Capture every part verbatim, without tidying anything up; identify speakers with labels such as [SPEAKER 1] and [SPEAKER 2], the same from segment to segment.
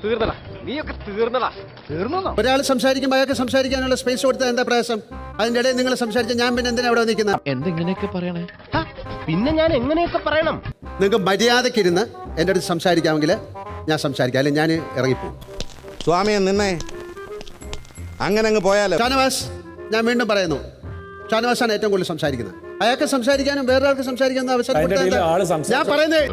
[SPEAKER 1] തീർന്നടാ, നീയൊക്കെ തീർന്നടാ. തീർന്നോ?
[SPEAKER 2] ഒരാൾ സംസാരിക്കുമ്പോൾ അയാൾക്ക് സംസാരിക്കാനുള്ള സ്പേസ് കൊടുത്താൽ എന്താ പ്രയാസം? അതിന്റെ ഇടയിൽ നിങ്ങൾ സംസാരിച്ച ഞാൻ പിന്നെ എന്തിനാ അവിടെ നിൽക്കുന്നത്?
[SPEAKER 1] എന്തെങ്ങനെയൊക്കെ പറയണേ? പിന്നെ ഞാൻ എങ്ങനെയൊക്കെ പറയണം?
[SPEAKER 2] നിങ്ങൾക്ക് മര്യാദക്കിരുന്ന് എൻ്റെ അടുത്ത് സംസാരിക്കാമെങ്കിൽ ഞാൻ സംസാരിക്കാം, അല്ലെങ്കിൽ ഞാൻ ഇറങ്ങിപ്പോകും.
[SPEAKER 3] സ്വാമിയെ നിന്നെ അങ്ങനെ അങ്ങ് പോയാലോ?
[SPEAKER 2] ഷാനവാസ്, ഞാൻ വീണ്ടും പറയുന്നു, ഷാനവാസാണ് ഏറ്റവും കൂടുതൽ സംസാരിക്കുന്നത്. അയാൾക്ക് സംസാരിക്കാനും വേറൊരാൾക്ക് സംസാരിക്കാനും അവസരം കൊടുത്താൽ ഞാൻ പറയുന്നത്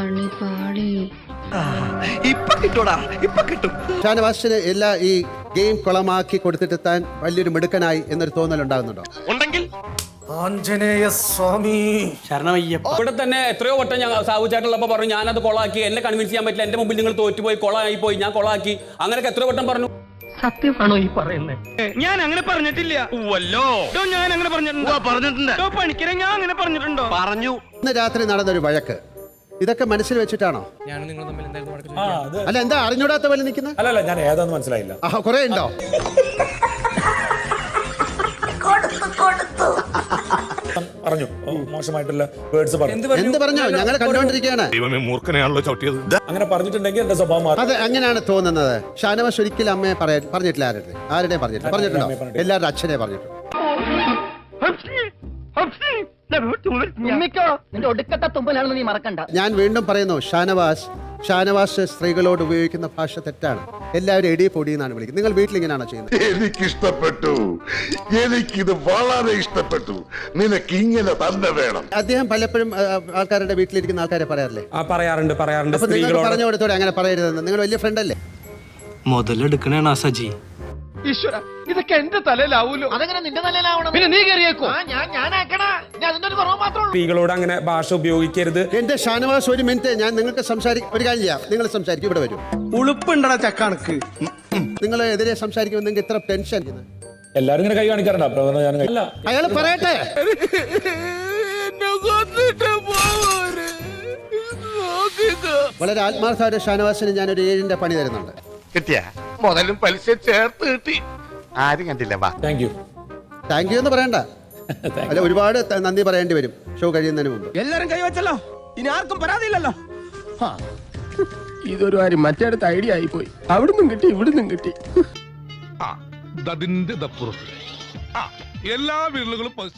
[SPEAKER 2] ഷാനവാസിന് എല്ലാ ഈ ഗെയിം കുളമാക്കി കൊടുത്തിട്ട് താൻ വലിയൊരു മിടുക്കനായി എന്നൊരു തോന്നൽ ഉണ്ടാകുന്നുണ്ടോ?
[SPEAKER 4] ആഞ്ജനേയ സ്വാമി ശരണമയ്യപ്പ.
[SPEAKER 5] ഇവിടെ തന്നെ എത്രയോ വട്ടം ഞാൻ സാവു ചേട്ടനുള്ളപ്പോൾ പറഞ്ഞു ഞാനത് കൊളാക്കി, എന്നെ കൺവിൻസ് ചെയ്യാൻ പറ്റില്ല, എന്റെ മുമ്പിൽ നിങ്ങൾ തോറ്റുപോയി, കൊളായി പോയി, ഞാൻ കൊളാക്കി, അങ്ങനെയൊക്കെ എത്രയോ വട്ടം പറഞ്ഞു.
[SPEAKER 1] സത്യമാണോ ഈ പറയുന്നത്?
[SPEAKER 6] ഞാൻ അങ്ങനെ പറഞ്ഞിട്ടില്ല. ഞാൻ അങ്ങനെ പറഞ്ഞിട്ടുണ്ടോ? പണിക്കരെ ഞാൻ അങ്ങനെ പറഞ്ഞിട്ടുണ്ടോ?
[SPEAKER 1] പറഞ്ഞു.
[SPEAKER 2] ഇന്ന് രാത്രി നടന്നൊരു വഴക്ക് ഇതൊക്കെ മനസ്സിൽ വെച്ചിട്ടാണോ? അല്ല, എന്താ അറിഞ്ഞൂടാത്ത പോലെ നിൽക്കുന്നത്?
[SPEAKER 4] അല്ലല്ല, ഞാൻ ഏതാന്ന് മനസ്സിലായില്ല.
[SPEAKER 2] ആ, കുറെ ഉണ്ടോ?
[SPEAKER 4] പറഞ്ഞു മോശമായിട്ടുള്ള വേർഡ്സ് പറഞ്ഞു.
[SPEAKER 2] എന്ത് പറഞ്ഞോ? ഞങ്ങൾ കണ്ടുകൊണ്ടിരിക്കുകയാണ്.
[SPEAKER 7] മൂർഖനെയാണല്ലോ ചവിട്ടിയത്.
[SPEAKER 4] അങ്ങനെ പറഞ്ഞിട്ടുണ്ടെങ്കിൽ എന്റെ സ്വഭാവം മാറും.
[SPEAKER 2] അത് അങ്ങനെയാണ് തോന്നുന്നത്. ഷാനവാസ് ഒരിക്കലും അമ്മയെ പറയാ പറഞ്ഞിട്ടില്ല. ആരുടെ ആരുടെയും പറഞ്ഞിട്ടില്ല. പറഞ്ഞിട്ടുണ്ടോ? എല്ലാവരുടെ അച്ഛനെ പറഞ്ഞിട്ടുണ്ട്.
[SPEAKER 1] നിന്റെ ഒടുക്കത്തെ തുമ്പലാണെന്ന് നീ മറക്കണ്ട.
[SPEAKER 2] ഞാൻ വീണ്ടും പറയുന്നു, ഷാനവാസ് ഷാനവാസ് സ്ത്രീകളോട് ഉപയോഗിക്കുന്ന ഭാഷ തെറ്റാണ്. എല്ലാവരും എടി പൊടി എന്നാണ് വിളിക്കുന്നത്. നിങ്ങൾ വീട്ടിൽ ഇങ്ങനെയാണോ ചെയ്യുന്നത്?
[SPEAKER 8] എനിക്കിഷ്ടപ്പെട്ടു, എനിക്കിത് വളരെ ഇഷ്ടപ്പെട്ടു. നിനക്ക് ഇങ്ങനെ തന്നെ വേണം.
[SPEAKER 2] അദ്ദേഹം പലപ്പോഴും ആ, ആൾക്കാരുടെ വീട്ടിലിരിക്കുന്ന ആൾക്കാരെ പറയാറില്ലേ?
[SPEAKER 5] ആ പറയാറുണ്ട് പറയാറുണ്ട്
[SPEAKER 2] അപ്പൊ നിങ്ങൾ പറഞ്ഞു കൊടുത്തോടെ അങ്ങനെ പറയരുതെന്ന്. നിങ്ങൾ വലിയ ഫ്രണ്ട് അല്ലേ?
[SPEAKER 6] മുതലെടുക്കണേണ സജി.
[SPEAKER 1] ഈശ്വര, ഇതൊക്കെ എന്റെ തലയിലാവൂലോ. അതെങ്ങനെ നിന്റെ തലയിലാവണം? പിന്നെ നീ കയറിയേക്കോ? ഞാൻ ഞാനാക്കണ അതിന്റെ ഒരു കുറവ് മാത്രമേ ഉള്ളൂ.
[SPEAKER 5] സ്ത്രീകളോട് അങ്ങനെ ഭാഷ ഉപയോഗിക്കരുത്.
[SPEAKER 2] എന്റെ ഷാനവാസ്, ഒരു മിനിറ്റ്, ഞാൻ നിങ്ങൾക്ക് സംസാരിക്കും. ഒരു കാര്യം ചെയ്യാം, നിങ്ങൾ സംസാരിക്കും, ഇവിടെ വരും.
[SPEAKER 6] ഉളുപ്പുണ്ടടാ ചക്കണക്ക്.
[SPEAKER 2] നിങ്ങൾ എതിരെ സംസാരിക്കുമ്പോൾ നിങ്ങൾക്ക് ഇത്ര ടെൻഷൻ?
[SPEAKER 4] എല്ലാരും ഇങ്ങനെ കൈ കാണിക്കാറുണ്ട്. അപ്പൊ ഞാൻ അല്ല,
[SPEAKER 2] അയാൾ പറയട്ടെ. വളരെ ആത്മാർത്ഥമായ ഷാനവാസിന് ഞാൻ ഒരു ഏഴിന്റെ പണി തരുന്നുണ്ട്.
[SPEAKER 8] കിട്ടിയ മുതലും പലിശ ചേർത്ത് കിട്ടി. ആരും കണ്ടില്ല. വാ.
[SPEAKER 4] Thank you.
[SPEAKER 2] താങ്ക് യു എന്ന് പറയണ്ട, അല്ല, ഒരുപാട് ത- നന്ദി പറയേണ്ടി വരും ഷോ കഴിയുന്നതിന് മുമ്പ്.
[SPEAKER 6] എല്ലാരും കൈവച്ചല്ലോ, ഇനി ആർക്കും പരാതിയില്ലല്ലോ. ഇതൊരു കാര്യം മറ്റേടത്ത് ഐഡിയ ആയിപ്പോയി. അവിടുന്നും കിട്ടി ഇവിടുന്നും കിട്ടി.
[SPEAKER 7] അതിന്റെ ദപ്പുറത്ത് എല്ലാ വീടുകളും